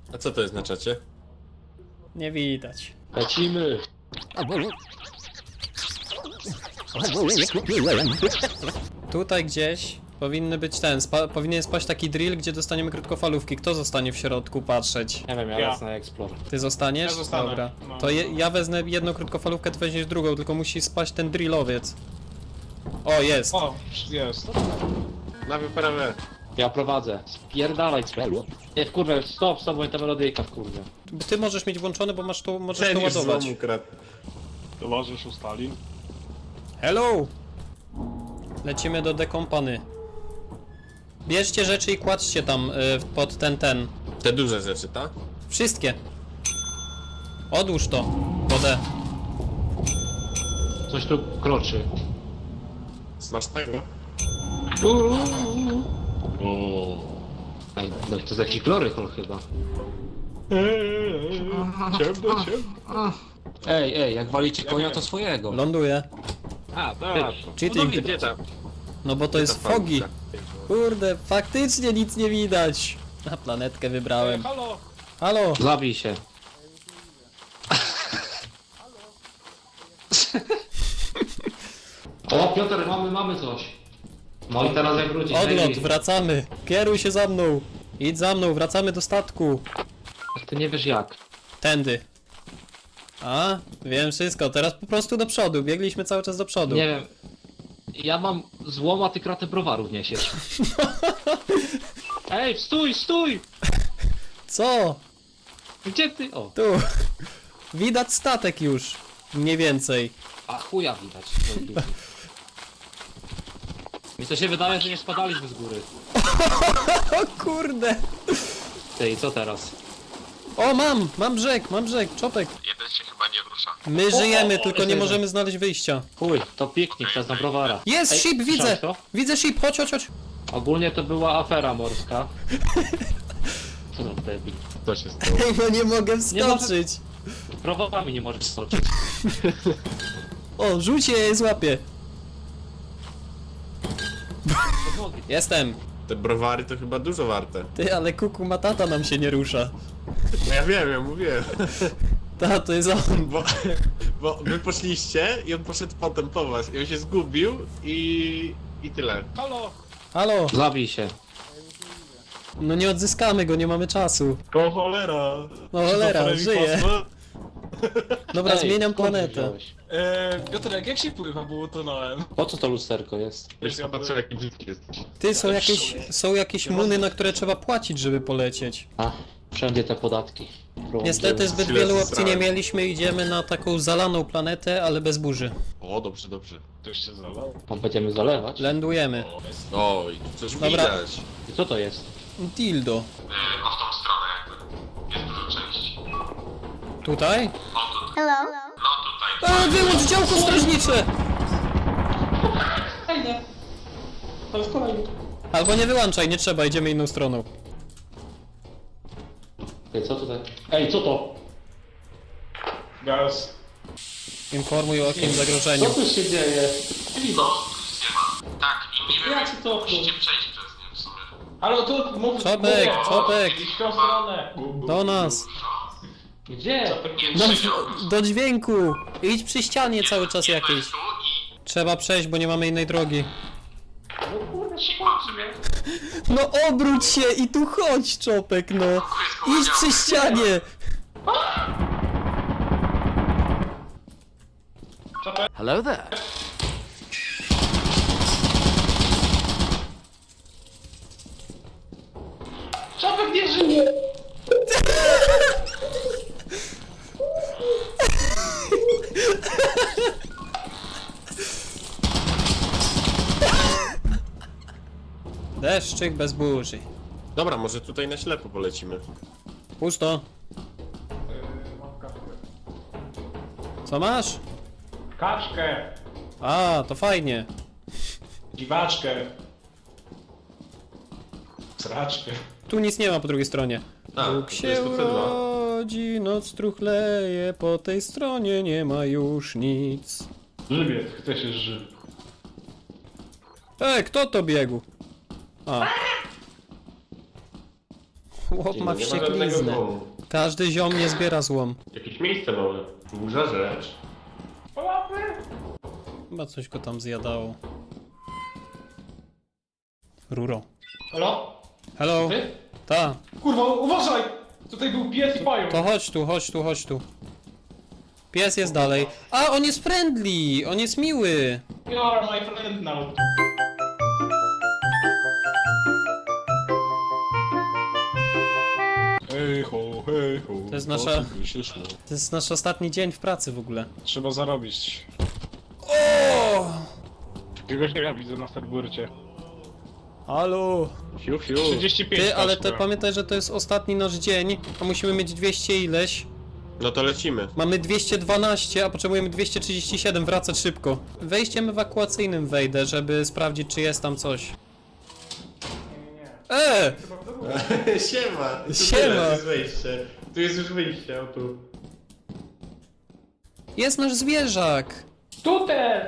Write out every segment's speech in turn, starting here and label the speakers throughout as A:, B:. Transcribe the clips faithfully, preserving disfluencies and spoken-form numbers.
A: A co to jest na czacie?
B: Nie widać.
C: Lecimy!
B: Tutaj gdzieś powinny być ten, spa powinien spaść taki drill, gdzie dostaniemy krótkofalówki. Kto zostanie w środku patrzeć?
C: Nie wiem, ja,
D: Ja.
C: lecę na Explore.
B: Ty zostaniesz?
D: Ja zostanę.
B: Dobra.
D: No.
B: To je, ja wezmę jedną krótkofalówkę, ty weźmiesz drugą, tylko musi spaść ten drillowiec. O, jest.
D: O, jest.
A: Na wyprawę.
C: Ja prowadzę. Spierdalaj, Cpelu. Nie, wkurwę, stop, stop, bo ta melodyjka wkurwę.
B: Ty możesz mieć włączone, bo masz to, możesz to
A: Ten już
B: ładować.
A: złomu kradł.
D: Towarzysz ustali.
B: Hello! Lecimy do dekompany. Bierzcie rzeczy i kładźcie tam y, pod ten, ten.
A: Te duże rzeczy, tak?
B: Wszystkie. Odłóż to. Wodę.
C: Coś tu kroczy.
A: Smacznego.
C: Ej, no to jest jakiś gloryhol chyba.
D: Ciemno, ciemno.
C: Ej, ej, jak walicie konia, to swojego.
B: Ląduje.
A: A, tak.
B: Cheating.
A: No, gdzie tam?
B: No bo to jest
A: ta
B: fogi.
A: fałka?
B: Kurde, faktycznie nic nie widać. Na planetkę
D: Ej,
B: wybrałem.
D: halo!
B: Halo!
C: Zabij się. O, Piotr, mamy, mamy coś. No i teraz jak wrócić?
B: Odlot,
C: Ej,
B: wracamy. Kieruj się za mną. Idź za mną, wracamy do statku.
C: Ty nie wiesz jak.
B: Tędy. A, wiem wszystko. Teraz po prostu do przodu. Biegliśmy cały czas do przodu.
C: Nie wiem. Ja mam złom, a ty kratę browarów niesiesz. Ej, stój, stój!
B: Co?
C: Gdzie ty? O,
B: Tu. Widać statek już. Mniej więcej.
C: a chuja widać. Mi to się wydaje, że nie spadaliśmy z góry.
B: O kurde.
C: Ty, i co teraz?
B: O, mam! Mam brzeg, mam brzeg. Czopek.
A: Jeden się chyba nie rusza.
B: My żyjemy, tylko nie
C: jest
B: możemy znaleźć wyjścia.
C: Chuj, to piknik, czas na browara.
B: Jest
C: Ej,
B: ship, widzę!
C: słyszałeś to?
B: Widzę ship, chodź, chodź, chodź.
C: Ogólnie to była afera morska. Co za debil.
A: Co się stało?
B: No nie mogę
C: Nie może-
B: wskoczyć.
C: Browarami nie możesz skoczyć.
B: O, rzuć je, je złapię. Jestem.
A: Te browary to chyba dużo warte.
B: Ty, ale kuku matata nam się nie rusza.
A: No ja wiem, ja mówiłem.
B: Ta, to jest on.
A: Bo, bo wy poszliście i on poszedł potem po was. I on się zgubił i... i tyle.
D: Halo!
B: Halo.
C: Zabij się.
B: No nie odzyskamy go, nie mamy czasu.
D: O cholera!
B: No cholera, żyje. Dobra,
C: Ej,
B: zmieniam
C: skąd
B: planetę.
C: wziąłeś?
D: Eee, Piotrek, jak się pływa, bo utonąłem?
C: Po co to lusterko jest?
A: Wiesz, ja patrzę jaki brzydki jesteś.
B: Ty, są jakieś, są jakieś muny, na które trzeba płacić, żeby polecieć.
C: A, wszędzie te podatki. Prąd,
B: Niestety zbyt
A: Chwilę
B: wielu opcji nie
A: zesrałem.
B: mieliśmy, idziemy na taką zalaną planetę, ale bez burzy.
A: O, dobrze, dobrze.
D: Ktoś się zalał.
C: Tam będziemy zalewać.
B: Lądujemy.
A: O, i tu coś
B: Dobra.
A: widać.
C: I co to jest?
B: Dildo.
A: O, w tą stronę jakby. Jest dużo części.
B: Tutaj?
E: Hello.
A: No tutaj.
B: A, wyłącz działko strażnicze!
D: To jest kolejny.
B: Albo nie wyłączaj, nie trzeba, idziemy inną stroną.
C: Ej, co tutaj? Ej, co to?
D: Gaz.
B: Informuj o jakim
C: Co
B: zagrożeniu.
C: tu się dzieje?
A: Tak, i nie wiem,
D: Ja ci to
A: musicie przejść przez nie w sumie.
D: Halo, tu mów...
B: Czopek,
D: mówię.
B: Czopek.
D: Idź w tą stronę.
B: Do nas.
C: Gdzie?
B: Do, do dźwięku. Idź przy ścianie cały czas jakiejś.
A: Tu i...
B: Trzeba przejść, bo nie mamy innej drogi.
A: Sikłam sobie.
B: No obróć się i tu chodź, Czopek, no. Idź przy ścianie.
F: Hello there.
D: Czopek nie żyje!
B: Deszczyk bez burzy.
A: Dobra, może tutaj na ślepo polecimy.
B: Pusto. Co masz?
D: Kaczkę!
B: A, to fajnie.
D: Dziwaczkę! Sraczkę.
B: Tu nic nie ma po drugiej stronie.
A: A,
B: Bóg
A: to
B: się
A: jest to C dwa.
B: urodzi, noc truchleje, po tej stronie nie ma już nic.
D: Żywiec, chce się ży.
B: Ej, kto to biegł? A. Chłop ma
A: Nie ma żadnego
B: wściekliznę.
A: domu.
B: Każdy ziom nie zbiera złom.
A: Jakieś miejsce mamy. Burza rzecz.
B: Chyba coś go tam zjadało. Ruro.
D: Halo?
B: Hello?
D: Ty?
B: Ta.
D: Kurwa, uważaj! Tutaj był pies i pająk.
B: To chodź tu, chodź tu, chodź tu. Pies jest dalej. A, on jest friendly! On jest miły!
D: You are my friend now. Hej ho, hej ho.
B: To jest nasza- To jest nasz ostatni dzień w pracy w ogóle.
D: Trzeba zarobić.
B: O!
D: Jakiegoś nie widzę na serburcie.
B: Halo!
A: Fiu, fiu.
D: trzydzieści pięć.
B: Ty, ale te,
D: paczka.
B: pamiętaj, że to jest ostatni nasz dzień, a musimy mieć dwieście ileś.
A: No to lecimy.
B: Mamy dwieście dwanaście, a potrzebujemy dwieście trzydzieści siedem, wracać szybko. Wejściem ewakuacyjnym wejdę, żeby sprawdzić, czy jest tam coś. E!
A: Siema. Tu
B: Siema.
A: tyle, Tu jest wejście. Tu jest już wyjście, o tu.
B: Jest nasz zwierzak!
D: Tutaj!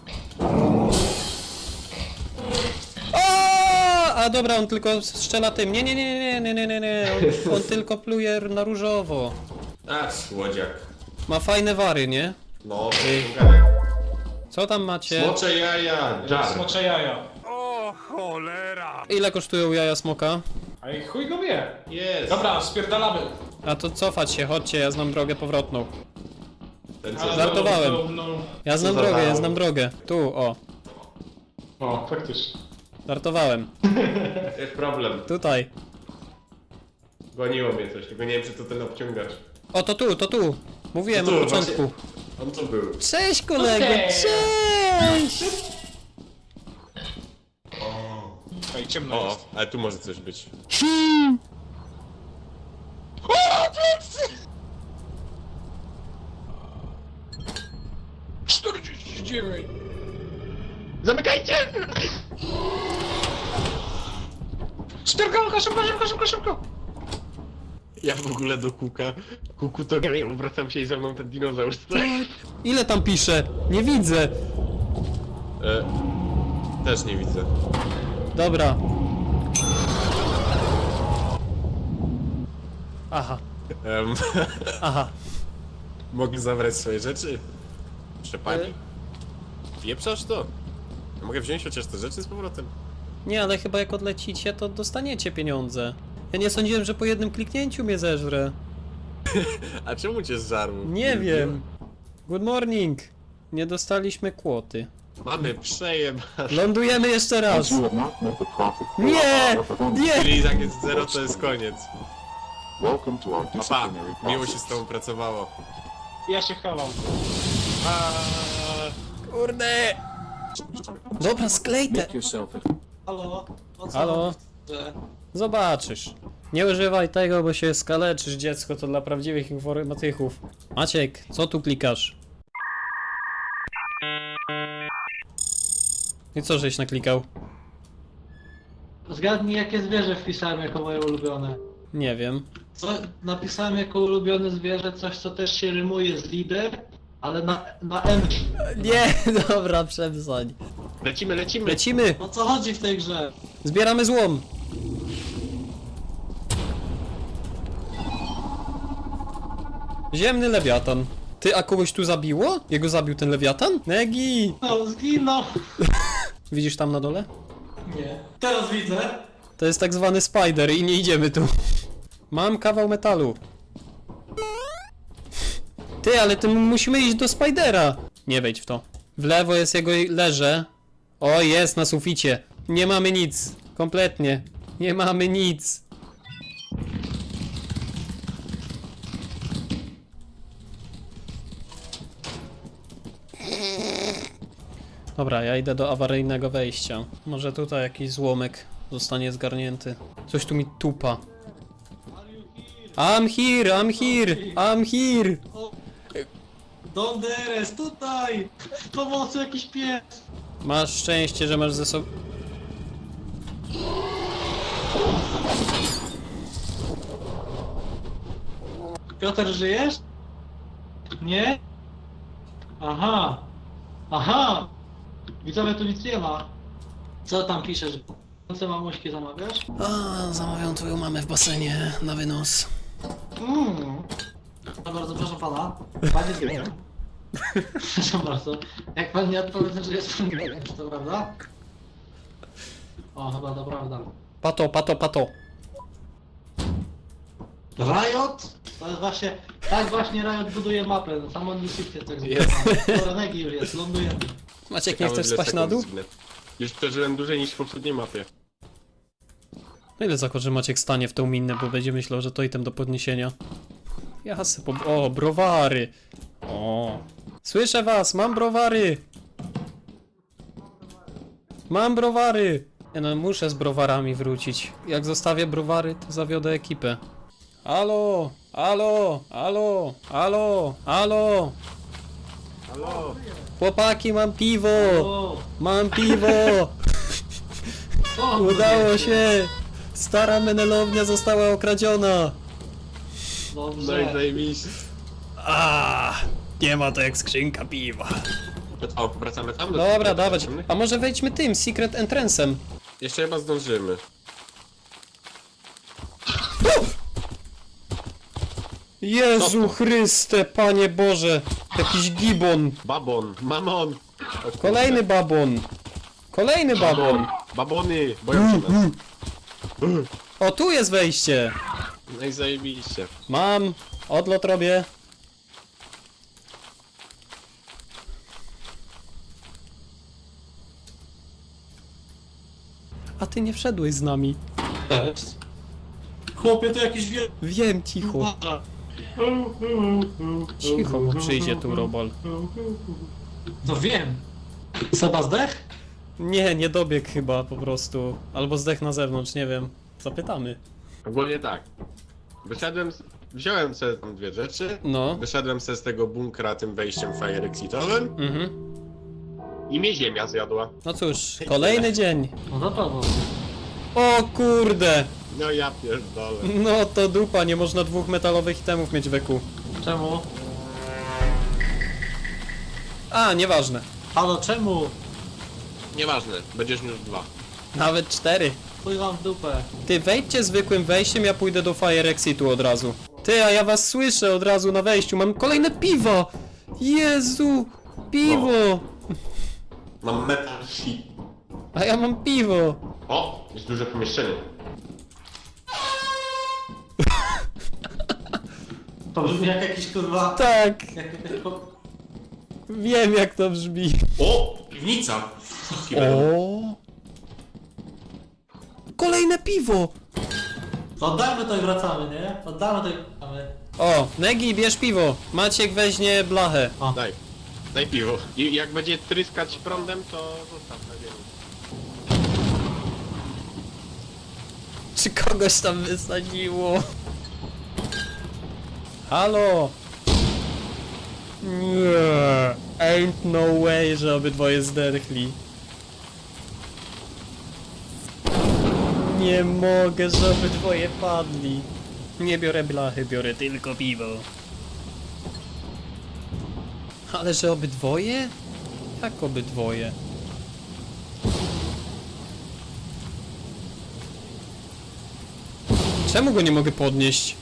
B: O! A dobra, on tylko strzela tym. Nie, nie, nie, nie, nie, nie, nie, nie. On, on tylko pluje na różowo.
A: A, słodziak.
B: Ma fajne wary, nie?
A: No,
B: Ej.
A: Ej.
B: Co tam macie?
A: Smocze jaja. Jar.
D: Smocze jaja.
B: Ile kosztują jaja smoka?
D: A i chuj go wie.
A: Jest.
D: Dobra, spierdalamy.
B: A to cofać się, chodźcie, ja znam drogę powrotną.
A: Ten
D: Ale
A: co
B: Żartowałem.
D: No, no, no.
B: Ja znam
A: za
B: drogę, ja
A: mało.
B: znam drogę. Tu, o.
D: O, faktycznie.
B: Żartowałem.
A: Jest problem.
B: Tutaj.
A: Goniło mnie coś, tylko nie wiem, czy to ten obciągacz.
B: O, to tu, to tu. Mówiłem
A: To tu,
B: od początku.
A: On tu był.
B: Cześć kolego,
D: Okej.
B: cześć!
D: Ej, ciemno
A: O,
D: jest.
A: ale tu może coś być.
D: czterdzieści dziewięć.
A: Zamykajcie!
D: Spierdalka, szybko, szybko, szybko, szybko.
A: Ja w ogóle do kuka. Kuku to gram, wracam się i ze mną ten dinozaur.
B: Ile tam pisze? Nie widzę.
A: E, też nie widzę.
B: Dobra. Aha,
A: Em,
B: aha.
A: mogę zabrać swoje rzeczy? Proszę pani.
B: E?
A: Wieprzasz to? Ja mogę wziąć chociaż te rzeczy z powrotem?
B: Nie, ale chyba jak odlecicie, to dostaniecie pieniądze. Ja nie sądziłem, że po jednym kliknięciu mnie zeżrę.
A: A czemu cię zżarł?
B: Nie wiem. Good morning. Nie dostaliśmy kłoty.
A: Mamy przejem.
B: Lądujemy jeszcze raz. Nie! Nie!
A: Czyli jak jest zero, to jest koniec.
E: Welcome to our
A: Papa,
E: disciplinary
A: miło się
E: process.
A: z tobą pracowało.
D: Ja się chowam.
B: Kurde! Dobra, sklej te.
E: Make yourself at
F: Halo? O co
B: Halo?
F: że-
B: Zobaczysz. Nie używaj tego, bo się skaleczysz, dziecko, to dla prawdziwych informatyków. Maciek, co tu klikasz? I co żeś naklikał?
F: Zgadnij, jakie zwierzę wpisałem jako moje ulubione.
B: Nie wiem.
F: Co napisałem jako ulubione zwierzę, coś co też się rymuje z lider, ale na, na M.
B: Nie, dobra, przemsań.
A: Lecimy, lecimy.
B: Lecimy!
F: O co chodzi w tej grze?
B: Zbieramy złom! Ziemny lewiatan. Ty, a kogoś tu zabiło? Jego zabił ten lewiatan? Negi!
F: No, zginął!
B: Widzisz tam na dole?
F: Nie. Teraz widzę.
B: To jest tak zwany spider i nie idziemy tu. Mam kawał metalu. Ty, ale ty musimy iść do spidera. Nie wejdź w to. W lewo jest jego leże. O, jest na suficie. Nie mamy nic. Kompletnie. Nie mamy nic. Dobra, ja idę do awaryjnego wejścia. Może tutaj jakiś złomek zostanie zgarnięty. Coś tu mi tupa. I'm here, I'm here, I'm here.
F: Donderes, tutaj! Pomocy, jakiś pies!
B: Masz szczęście, że masz ze sobą...
F: Piotr, żyjesz? Nie? Aha! Aha! Widzowie, tu nic nie ma. Co tam piszesz? Co mamuśki zamawiasz?
B: A, zamawiam twoją mamę w basenie na wynos.
F: Mmm. No bardzo proszę pana. Panie Proszę bardzo. Jak pan nie odpowie, że jest pan gejem, czy to prawda? O, chyba to prawda.
B: Pato, pato, pato.
F: Riot? To jest właśnie, tak właśnie Riot buduje mapę, no, Samon Shifted tak
A: Jest.
F: zwane. Renegi już jest, lądujemy.
B: Maciek, nie
A: Ciekawe,
B: chcesz
A: ile
B: spać na
A: sekund
B: dół?
A: zgnę. Już przeżyłem dłużej niż w poprzedniej mapie.
B: No ile zakład, że Maciek stanie w tą minę, bo będzie myślał, że to item do podniesienia. Jasne, po... O, browary! O. Słyszę was, mam browary! Mam browary! Ja no, muszę z browarami wrócić. Jak zostawię browary, to zawiodę ekipę. Alo, alo, alo, alo, alo!
A: Halo!
B: Chłopaki, mam piwo!
F: O,
B: Mam piwo!
F: o,
B: Udało się! Stara menelownia została okradziona!
A: No i
F: Dobrze.
A: zajebiście.
B: A, nie ma to jak skrzynka piwa.
A: O, wracamy tam do
B: Dobra,
A: tych
B: dawać.
A: potrzebnych?
B: A może wejdźmy tym, secret entrance'em?
A: Jeszcze chyba zdążymy.
B: Jezu Chryste, Panie Boże! Jakiś gibon!
A: Babon, mamon! O kurde.
B: Kolejny babon! Kolejny babon!
A: Babony! Boją się nas.
B: O, tu jest wejście!
A: No i zajebiście.
B: Mam! Odlot robię. A ty nie wszedłeś z nami.
F: Chłopie, to jakiś wielki...
B: Wiem, cicho. Cicho, bo przyjdzie tu robol.
F: No wiem. Seba zdech?
B: Nie, nie dobiegł chyba po prostu. Albo zdech na zewnątrz, nie wiem. Zapytamy.
A: Ogólnie tak. Wyszedłem, z... wziąłem sobie tam dwie rzeczy.
B: No.
A: Wyszedłem sobie z tego bunkra tym wejściem fire exitowym
B: Mhm.
A: i mnie ziemia zjadła.
B: No cóż, kolejny dzień.
F: No to Paweł.
B: O kurde!
A: No ja pierdolę.
B: No to dupa, nie można dwóch metalowych itemów mieć w eku.
F: Czemu?
B: A, nieważne.
F: Halo, czemu?
A: Nieważne, będziesz miał dwa.
B: Nawet cztery.
F: Chuj wam w dupę.
B: Ty wejdźcie zwykłym wejściem, ja pójdę do Fire Exitu od razu. Ty, a ja was słyszę od razu na wejściu, mam kolejne piwo! Jezu! Piwo!
A: Mam metal sheet.
B: A ja mam piwo!
A: O, jest duże pomieszczenie.
F: To brzmi jak jakiś kurwa...
B: Tak,
F: Jak jakaś po...
B: wiem jak to brzmi.
A: O, piwnica.
B: O! Kolejne piwo!
F: Oddajmy to i wracamy, nie? Oddamy to i wracamy.
B: O, Negi, bierz piwo. Maciek weźmie blachę.
A: Daj. Daj piwo. I jak będzie tryskać prądem, to zostaw na ziemi.
B: Czy kogoś tam wysadziło? Halo? Nie. Ain't no way, że obydwoje zderchli. Nie mogę, że obydwoje padli. Nie biorę blachy, biorę tylko piwo. Ale że obydwoje? Jak obydwoje? Czemu go nie mogę podnieść?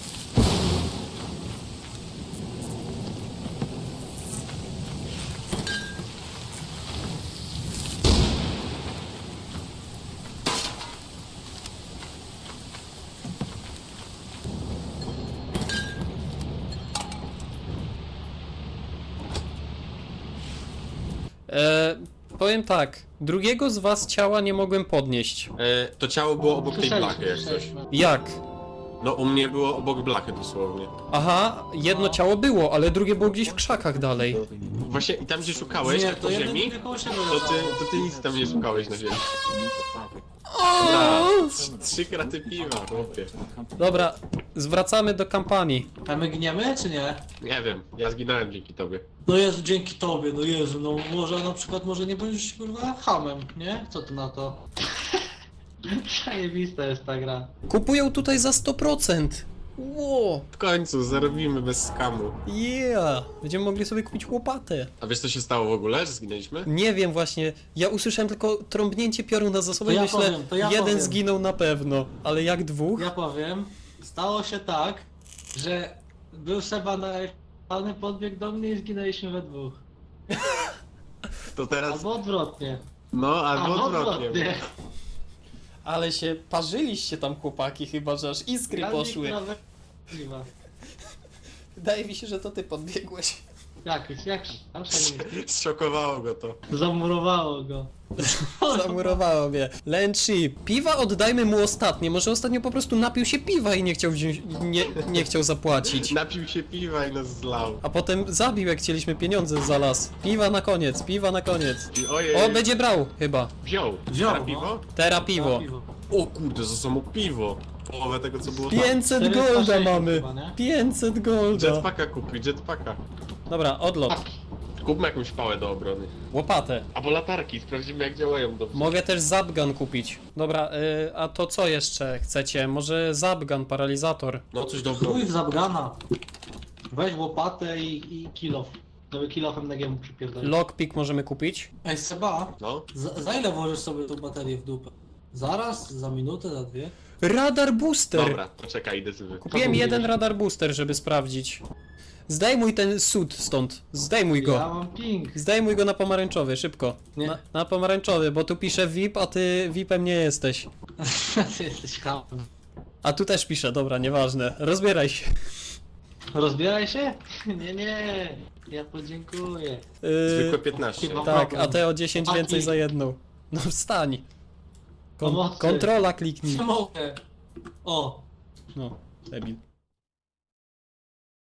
B: Eee, powiem tak. Drugiego z was ciała nie mogłem podnieść.
A: E, to ciało było obok tej
F: Słyszeliśmy,
A: blachy, jak coś.
F: słyszeliśmy.
B: Jak?
A: No u mnie było obok blachy dosłownie.
B: Aha, jedno ciało było, ale drugie było gdzieś w krzakach dalej.
A: Właśnie i tam gdzie szukałeś,
F: Nie,
A: na
F: to
A: po
F: jeden
A: ziemi,
F: drugie koło siebie
A: to ty,
F: leżało.
A: to ty nic tam nie szukałeś na ziemi.
B: O!
A: Trz- Trzy kraty piwa, chłopie.
B: Dobra, zwracamy do kampanii.
F: A my gniemy, czy nie?
A: Nie wiem, ja zginąłem dzięki tobie.
F: No Jezu, dzięki tobie, no Jezu, no może na przykład, może nie będziesz kurwa hamem, nie? Co ty na to? Zajebista jest ta gra.
B: Kupują tutaj za sto procent. Ło,
A: W końcu zarobimy bez skamu.
B: yeah! Będziemy mogli sobie kupić łopatę.
A: A wiesz co się stało w ogóle, że zginęliśmy?
B: Nie wiem właśnie, ja usłyszałem tylko trąbnięcie pioruna za sobą
F: To
B: i
F: ja
B: myślę,
F: powiem, to ja
B: jeden
F: powiem.
B: zginął na pewno, ale jak dwóch?
F: Ja powiem, stało się tak, że był Seba na ale podbiegł do mnie i zginęliśmy we dwóch.
A: To teraz...
F: Albo odwrotnie.
A: No, albo odwrotnie.
B: Ale się parzyliście tam chłopaki chyba, że aż iskry
F: Ja
B: poszły.
F: nikt nawet nie ma.
B: Wydaje mi się, że to ty podbiegłeś.
F: Jak, jak, tam się nie
A: Zszokowało go to.
F: zamurowało go.
B: Zamurowało mnie. Lenchi, piwa oddajmy mu ostatnie. Może ostatnio po prostu napił się piwa i nie chciał wziąć, nie, nie chciał zapłacić.
A: Napił się piwa i nas zlał.
B: A potem zabił, jak chcieliśmy pieniądze za las. Piwa na koniec, piwa na koniec.
A: I ojej,
B: O, będzie brał chyba.
A: wziął.
F: Wziął,
A: Na
F: no.
A: piwo?
B: Teraz piwo.
A: O kurde, za samo piwo. Połowę tego co było tam.
B: pięćset
F: czterysta
B: golda
F: sześćdziesiąt
B: mamy.
F: chyba, nie?
B: pięćset golda.
A: Jetpacka kupi, jetpacka.
B: Dobra, odlot.
A: Kupmy jakąś pałę do obrony.
B: Łopatę.
A: Albo latarki, sprawdzimy jak działają dobrze.
B: Mogę też zapgun kupić. Dobra, y, a to co jeszcze chcecie? Może zapgun, paralizator.
A: No coś do obrony.
F: Chuj w zabrana. Weź łopatę i, i kilof. Żeby kilofem na giemu przypierdolić.
B: Lockpick możemy kupić.
F: Ej Seba,
A: No.
F: za, za ile włożysz sobie tą baterię w dupę? Zaraz? Za minutę? Za dwie?
B: Radar booster!
A: Dobra, poczekaj, idę sobie.
B: Kupiłem jeden radar booster, żeby sprawdzić. Zdejmuj ten sud stąd. Zdejmuj
F: Ja
B: go.
F: mam ping.
B: Zdejmuj go na pomarańczowy, szybko.
F: Nie.
B: Na, na pomarańczowy, bo tu pisze V I P, a ty V I P-em nie jesteś.
F: Ty jesteś hamem.
B: A tu też pisze, dobra, nieważne. Rozbieraj się.
F: Rozbieraj się? Nie, nie. Ja podziękuję.
A: Zwykłe
B: Yy,
A: piętnaście.
F: Chyba-
B: tak, a te o dziesięć
F: Chłopaki.
B: więcej za jedną. No wstań. Kon
F: Pomocy.
B: kontrola kliknij.
F: Nie mogę. O.
B: No, debil.